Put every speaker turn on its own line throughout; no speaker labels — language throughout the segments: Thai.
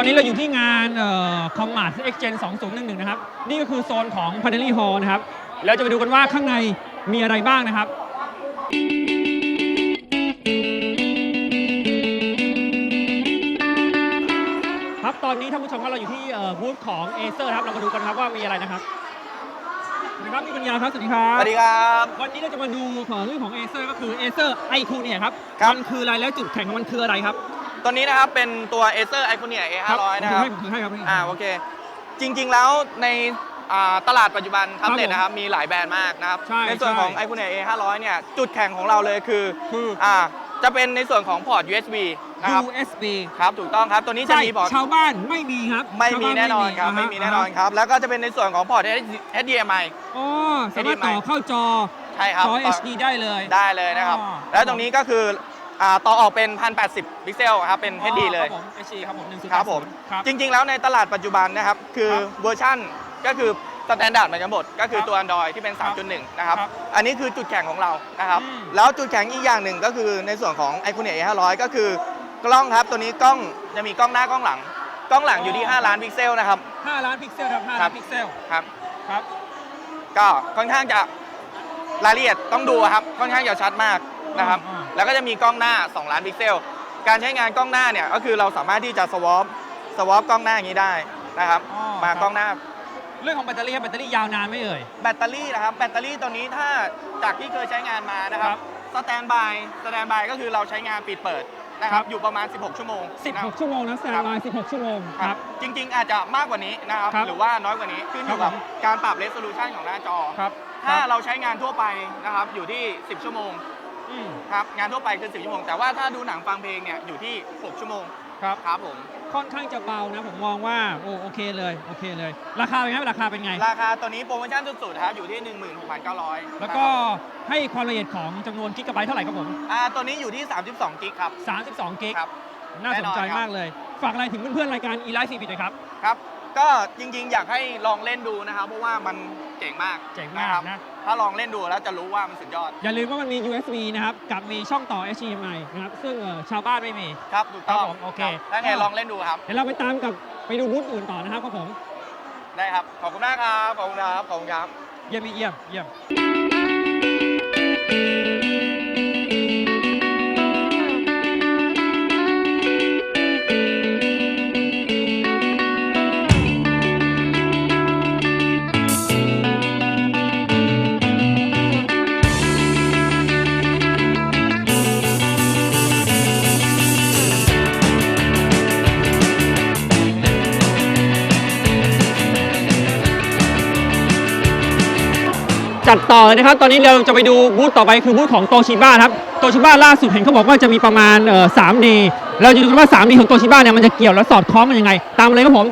อนนี้เราอยู่ที่งานComart X Gen 2011นะครับนี่ก็คือโซนของ Panelli Hall นะครับเราจะไปดูกันว่าข้างในมีอะไรบ้างนะครับครับตอนนี้ท่านผู้ชมครับเราอยู่ที่บูธของ Acer ครับเรามาดูกันครับว่ามีอะไรนะครับสวัสดีครับพี่ปัญญาครับสวัสดีครับ
สวัสดีครับ
วันนี้เราจะมาดูเรื่องของ Acer ก็คือ Acer Iconia ครับ
ครับ
มันคืออะไรแล้วจุดแข็งของมันคืออะไรครับ
ตัวนี้นะครับเป็นตัว Acer Iconia A500 นะครับ
ผมถือให้ครับ
โอเคจริงๆแล้วในตลาดปัจจุบันแท็บเล็ตนะครับมีหลายแบรนด์มากนะครับในส่วนของ Iconia A500 เนี่ยจุดแข็งของเราเลยคือจะเป็นในส่วนของพอร์ต USB นะครับ
USB
ครับถูกต้องครับตัวนี้จะมีพอร์ต
ชาวบ้านไม่มีครับ
ไม่มีแน่นอนครับไม่มีแน่นอนครับแล้วก็จะเป็นในส่วนของพอร์ต HDMI
อ๋อสามารถต่อเข้าจอ
ใช่ครับ
จอ HD ได้เลย
นะครับแล้วตรงนี้ก็คือต่อออกเป็น 1080 พิกเซลครับเป็น HD เลย
ครับผม HD ครับผม
ครับผมจริงๆแล้วในตลาดปัจจุบันนะครับคือเวอร์ชั่นก็คือสแตนดาร์ดเหมือนกันหมดก็คือตัว Android ที่เป็น 3.1 นะครับอันนี้คือจุดแข็งของเรานะครับแล้วจุดแข็งอีกอย่างหนึ่งก็คือในส่วนของ Iconia A500 ก็คือกล้องครับตัวนี้กล้องจะมีกล้องหน้ากล้องหลังกล้องหลังอยู่ที่5 ล้านพิกเซลนะครับ
5 ล้านพิกเซลครับ5 ล้านพิกเซล
ครับก็ค่อนข้างจะรายละเอียดต้องดูครับค่อนข้างจะชัดมากนะครับแล้วก็จะมีกล้องหน้า2 ล้านพิกเซลการใช้งานกล้องหน้าเนี่ยก็คือเราสามารถที่จะสวอปกล้องหน้าอย่างนี้ได้นะครับมากล้องหน้า
เรื่องของแบตเตอรี่ยาวนานไหมเอ่ย
แบตเตอรี่นะครับแบตเตอรี่ตัวนี้ถ้าจากที่เคยใช้งานมานะครับสแตนบายก็คือเราใช้งานปิดเปิดนะครับอยู่ประมาณ16 ชั่วโมง
16 ชั่วโมงนะสแตนบาย16 ชั่วโมงครับ
จริงๆอาจจะมากกว่านี้นะครับหรือว่าน้อยกว่านี้ขึ้นอยู่กับการปรับเรสโซลูชันของหน้าจอถ้าเราใช้งานทั่วไปนะครับอยู่ที่10 ชั่วโมงครับงานทั่วไปคือ10 ชั่วโมงแต่ว่าถ้าดูหนังฟังเพลงเนี่ยอยู่ที่6 ชั่วโมงครับผม
ค่อนข้างจะเบานะผมมองว่าโอเคเลยราคาเป็นไงราคา
ตัวนี้โปรโมชั่นสุดๆครับอยู่ที่ 16,900
แล้วก็ให้ความละเอียดของจำนวนกิกะไบต์เท่าไหร่ครับผม
ตัวนี้อยู่ที่32 กิกครับ
32 กิกน่าสนใจมากเลยฝากอะไรถึงเพื่อนๆรายการ eLife 4 Bit หน่อยครับ
ก็จริงๆอยากให้ลองเล่นดูนะครับเพราะว่ามันเจ๋งมาก
นะ
ถ้าลองเล่นดูแล้วจะรู้ว่ามันสุดยอด
อย่าลืมว่ามันมี USB นะครับกับมีช่องต่อ HDMI นะครับซึ่งชาวบ้านไม่มี
ครับถูกต้อง
โอเค
ถ้าไงลองเล่นดูครับ
เดี๋ยวเราไปตามกับไปดูบูธอื่นต่อนะครับผม
ได้ครับขอบคุณมากครับขอบคุณครับ
เยี่ยมจัดต่อเลยนะครับตอนนี้เราจะไปดูบูธต่อไปคือบูธของโตชิบ้าครับโตชิบ้าล่าสุดเห็นเขาบอกว่าจะมีประมาณ3D เราจะดูกันว่า 3D ของโตชิบ้าเนี่ยมันจะเกี่ยวและสอดคล้องกันยังไงตามเลยครับผม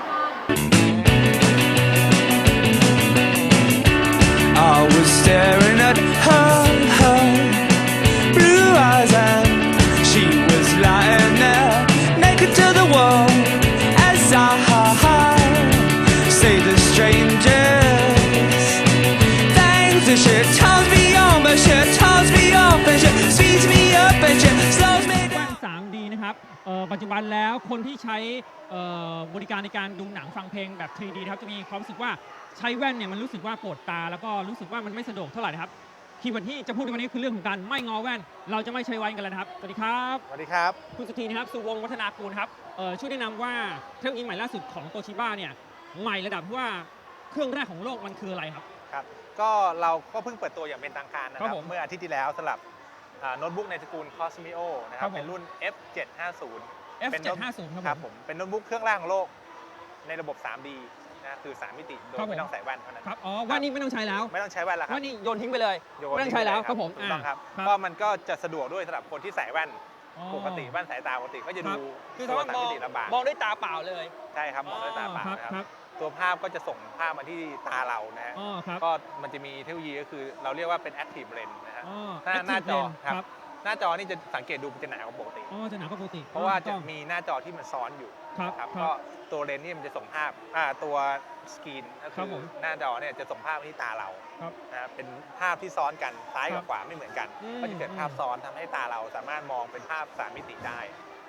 3D นะครับปัจจุบันแล้วคนที่ใช้บริการในการดูหนังฟังเพลงแบบ 3D นะครับจะมีความรู้สึกว่าใช้แว่นเนี่ยมันรู้สึกว่าปวดตาแล้วก็รู้สึกว่ามันไม่สะดวกเท่าไหร่นะครับคีย์เวิร์ดที่จะพูดในวันนี้คือเรื่องของการไม่งอแว่นเราจะไม่ใช้แว่นกันแล้วนะครับสวัสดีครับคุณสุธีนะครับสุวงศ์วัฒนากูลครับช่วยแนะนำว่าเทคโนโลยีใหม่ล่าสุดของโตชิบ้าเนี่ยใหม่ระดับที่ว่าเครื่องแรกของโลกมันคืออะไรครับ
ก็เราก็เพิ่งเปิดตัวอย่างเป็นทางการนะครับเมื่ออาทิตย์ที่แล้วสำหรับโน้ตบุ๊กในตระกูล Cosmio นะครับเป็นรุ่น F750
ครับ
ผมเป็นโน้ตบุ๊กเครื่องแรกของโลกในระบบ 3D นะคือ3 มิติโดยไม่ต้องใส่แว่นเท่านั้น
ครับแว่นนี้ไม่ต้องใช้แล้ว
ไม่ต้องใช้แว่นแล้วครับ
แว่นนี้โยนทิ้งไปเลยไม่ต้องใช้แล้วครับผม
ถูกต้องครับก็มันก็จะสะดวกด้วยสำหรับคนที่ใส่แว่นปกติแว่นสายตาปกติก็จะดู
ตัว3 มิติลำบากมองด้วยตาเปล่าเลย
ใช่ครับมองด้วยตาเปล่าครับตัวภาพก็จะส่งภาพมาที่ตาเรานะฮะก็มันจะมีเทคโนโลยีก็คือเราเรียกว่าเป็น Active Lens นะฮะหน้าจอครับหน้าจอนี่จะสังเกตดูมันจะหนากว่าปกติ
จะหนากว่าปกติ
เพราะว่าจะมีหน้าจอที่มันซ้อนอยู่ครับก็ตัวเลนส์นี่มันจะส่งภาพตัวสกรีนก็คือหน้าจอเนี่ยจะส่งภาพที่ตาเรานะเป็นภาพที่ซ้อนกันซ้ายกับขวาไม่เหมือนกันก็จะเกิดภาพซ้อนทำให้ตาเราสามารถมองเป็นภาพ3 มิติได้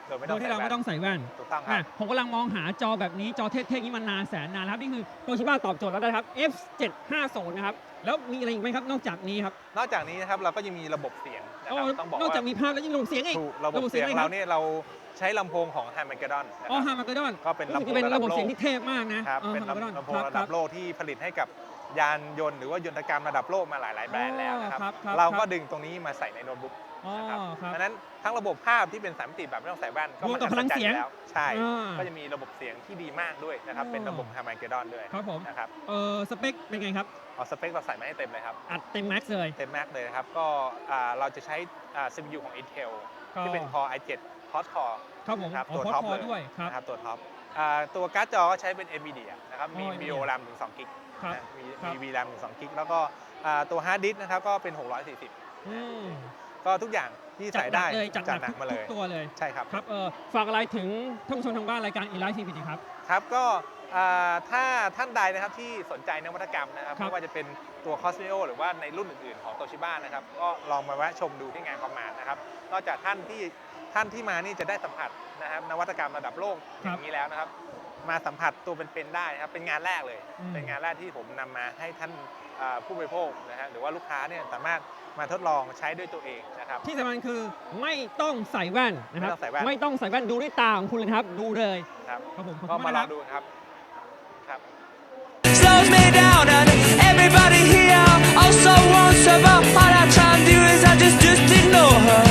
โดยที่เราไม่ต้องใส่แว่น
ถูกต้องครับ
ผมกำลังมองหาจอแบบนี้จอเท่ๆนี้มานานแสนนานแล้วครับนี่คือโตชิบะตอบโจทย์แล้วนะครับ F750 นะครับแล้วมีอะไรอีกไหมครับนอกจากนี้ครับ
นอกจากนี้นะครับเราก็ยังมีระบบเสียงนะครับต้องบอก
นอกจาก
ว่า
มีภาพแล้วยังระบบเสียงอีก
ถูกระบบเสียงเราเนี่ยเราใช้ลำโพงของ Harman-Kardon นะ
อ๋อ
ค
ฮา
รับ
ร์มาเกดอน
ก็เป็นลำโพง
เป็น
ระดับ
ระบบ
โล
เสียง
ก
ที่เทพมากนะครับ
เป็น
Harman-Kardon
ลำโพงระดับโลกที่ผลิตให้กับยานยนต์หรือว่ายนตกรรมระดับโลกมาหลายๆแบรนด์แล้วนะครับ
ครับ
เราก็ดึงตรงนี้มาใส่ในโน้ตบุ๊ก
อ๋อ
นะครับ
ครับ
ดังนั้นทั้งระบบภาพที่เป็นสามมิติแบบไม่ต้องใส่แว่นก็
รวมกับพลังเสียง
แล้วใช่
อ่า
ก็จะมีระบบเสียงที่ดีมากด้วยนะครับ
อ๋อ
เป็นระบบ Harman-Kardon ด้วย
ครับผม
นะครับ
สเปคเป็นไงครับ
เอาสเปคเราใส่มาให้เต็มเลยครับ
อัดเต็มแม็กซ์เลย
เต็มแม็กเลยนะครับก็เราจะใช้ CPU ของ Intel
ก็
ที่เป็น Core i7 Quad Core
ครับผม
นะครับ
อ๋อ
ตัว
พอ
ท็อป
พ
เล
อย ด้วยครับ
นะครับตัวท็อปตัวการ์ดจอก็ใช้เป็น NVIDIA นะครับมี
อ๋อ
VO RAM ถึง2กิก
ครับ
นะมี
ครับ
VRAM ถึง2กิกแล้วก็ตัวฮาร์ดดิสก์นะครับก็เป็น640
อืม
ก็ทุกอย่างที่ใส่ได้
จัดหนัก
มา
ทุ
เล
ก
ย
ตัวเลย
ใช่ครับ
ครับฝากอะไรถึงท่านผู้ชมทางบ้านรายการ Elite TV ครับ
ครับก็ถ้าท่านใดนะครับที่สนใจนวัตกรรมนะครับ
ครับ
ไม่ว่าจะเป็นตัว Cosmeo หรือว่าในรุ่นอื่นๆของโตชิบะนะครับก็ลองมาแวะชมดูที่งานคอมมานด์นะครับนอกจากท่านที่มานี่จะได้สัมผัสนะครับนวัตกรรมระดับโลกอย่างนี้แล้วนะครับ มาสัมผัสตัวเป็นๆได้นะครับเป็นงานแรกเลย เป็นงานแรกที่ผมนำมาให้ท่านผู้บริโภคนะฮะหรือว่าลูกค้าเนี่ยสามารถมาทดลองใช้ด้วยตัวเองนะครับ
ที่สำคัญคือไม่ต้องใส่แว่นนะครับ
ไม่ต้องใส่แว่น
ไม่ต้องใส่แว่นดูด้วยตาของคุณเลยนะครับ ดูเลย
ครับ
ครับผมขอบ
ก็
คุณ
มาม
าก
ล
นะ
องดูครับครับ
slows me down and everybody here also wants about all I try to do is I just ignore her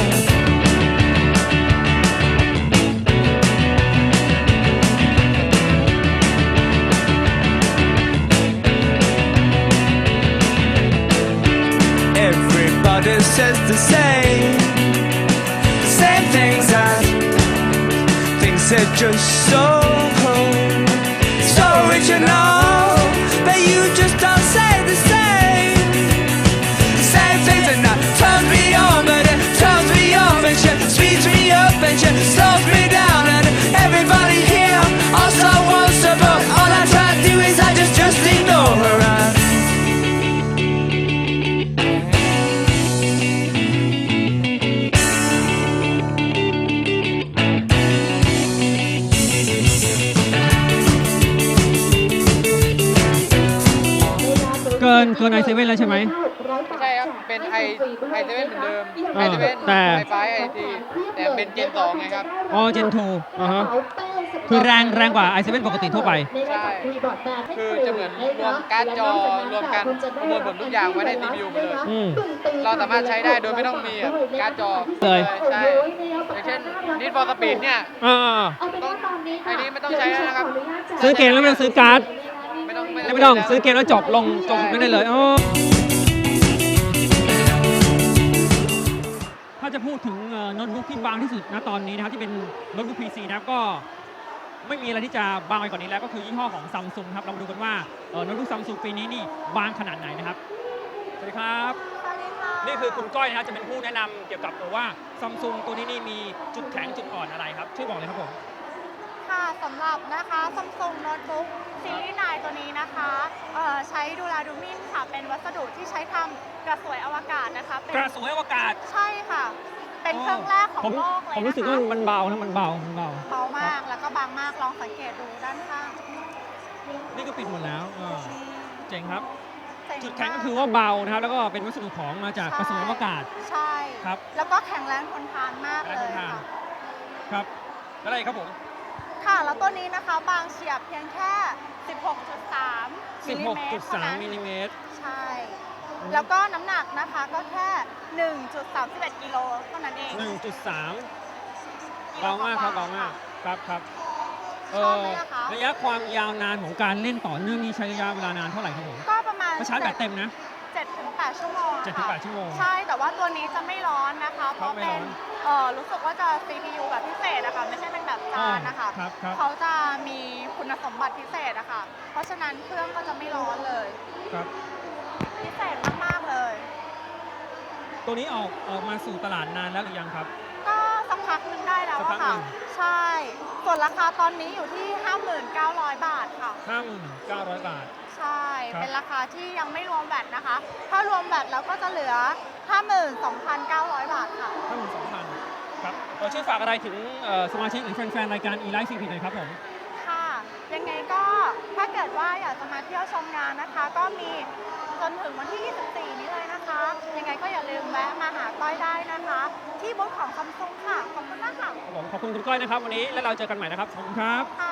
everybody says the same things and things are just so original, but you just don't say the same things and that turns me on, but it turns me off and she speeds me up and she slows me down and everybody here also wants her, but all I try to do is I just ignore her and
เกินไอเซเว่นแล้วใช่ไหม
ไม่ใช่ครับ เป็นไอเซเว่นเหมือนเดิม
เอ
ไอ
อ
เซเว่น
แต่
ไฟฟ้าไอทีแต่เป็นเจน2ไงครับ
อ๋อเจน2อ่าฮะคือแรงกว่าไอเซเว่นปกติทั่วไป
ใช่ คือจะเหมือนรวมการ์ดจอรวมกันประมวลผลทุกอย่างไว้ใน CPU ไปเลย
อืม
เราสามารถใช้ได้โดยไม่ต้องมีการ์ดจอ
เลย
ใช่ อย่างเช่น Need for Speed เนี่ย
อ่า
ต้องไอ้นี้ไม่ต้องใช้แล้วนะครับ
ซื้อเกมแล้วไม่ต้องซื้อการ์ด
ไม่ต้อง
ไม่ต้องซื้อเกมแล้วจบไม่ได้เลยอ๋อถ้าจะพูดถึงโน้ตบุ๊กที่บางที่สุดณตอนนี้นะครับที่เป็นโน้ตบุ๊ก PC นะครับก็ไม่มีอะไรที่จะบางไปกว่านี้แล้วก็คือยี่ห้อของซัมซุงครับเรามาดูกันว่าโน้ตบุ๊กซัมซุงปีนี้นี่บางขนาดไหนนะครับสวัสดีครับ
สวัสดีค่ะ
นี่คือคุณก้อยนะครับจะเป็นผู้แนะนำเกี่ยวกับตัวว่าซัมซุงตัวนี้นี่มีจุดแข็งจุดอ่อนอะไรครับช่วยบอกเลยครับผม
ค่ะสำหรับนะคะ Samsung Notebook ซีรีส์9ตัวนี้นะคะใช้ดูราดูมินค่ะ เป็นวัสดุที่ใช้ทำกระสวยอวกาศนะคะเป็น
กระสวยอวกาศ
ใช่ค่ะ เป็นเครื่องแรกของโลกเลยนะคะ
ผมรู้สึกว่ามันเบานะมันเบา
เบามากแล้วก็บางมากลองสังเกตดูด้านข้าง
นี่ก็ปิดหมดแล้วเจ๋งครับ
เจ๋
จุดแข็งก็คือว่าเบานะครับแล้วก็เป็นวัสดุของมาจากกระสวยอวกาศ
ใช่
ครับ
แล้วก็แข็งแรงทนทานมากเลยค่ะ
ครับแล้วอะไรครับผม
ค่ะ แล้วตัวนี้นะคะบางเฉียบเพียงแค่ 16.3 มิลลิเมตรเท่านั้น
16.3มิลลิเมตร
ใช่ แล้วก็น้ำหนักนะคะก็แค่ 1.31 กิโลเท่านั้นเอง
1.3 เบามากครับเบามากครับ
ชอบไหมล่ะคะ
ระยะความยาวนานของการเล่นต่อเนื่องนี้ใช้ระยะเวลานานเท่าไหร่ครับผม
ก็ประมาณ
ก็ชาร์จแบตเต็มนะ
7-8 ชั่วโมงค่ะ
7-8 ชั่วโมง
ใช่ แต่ว่าตัวนี้จะไม่ร้อนนะคะ เพราะ
ไม่
เป็
ร้
น
อน
รู้สึกว่าจะ CPU แบบพิเศษอะค่ะ ไม่ใช่เป็นแบบจานนะคะ
ครับ
เขาจะมีคุณสมบัติพิเศษอะค่ะ เพราะฉะนั้นเครื่องก็จะไม่ร้อนเลย
ครับ
พิเศษมากๆเลย
ตัวนี้ออกมาสู่ตลาดนานแล้วหรือยังครับ
ก็สักพักหนึงได้แล้ว
สักพั
อะ
กหนึ่
ค่ะ
ง
ใช่ ส่วนราคาตอนนี้อยู่ที่ 59,000 บาทค่ะ
5,900 บาท
ใช่
ครับ
เป็นราคาที่ยังไม่รวมแวตนะคะ ถ้ารวมแวตแล้วก็จะเหลือ 52,900 บาทค่ะ
52,000 ครับช่วยฝากอะไรถึงสมาชิกหรือแฟนๆรายการ e-life CP หน่อยครับผม
ค่ะ ยังไงก็ถ้าเกิดว่าอยากจะมาเที่ยวชมงานนะคะ ก็มีจนถึงวันที่ 24 นี้เลยนะคะ ยังไงก็อย่าลืมแวะมาหาก้อยได้นะคะ ที่บูธของซัมซุงค่ะ ขอบคุณมากค่ะ
ขอบคุณคุณก้อยนะครับวันนี้แล้วเราเจอกันใหม่นะครับขอบคุณครับ
ค่ะ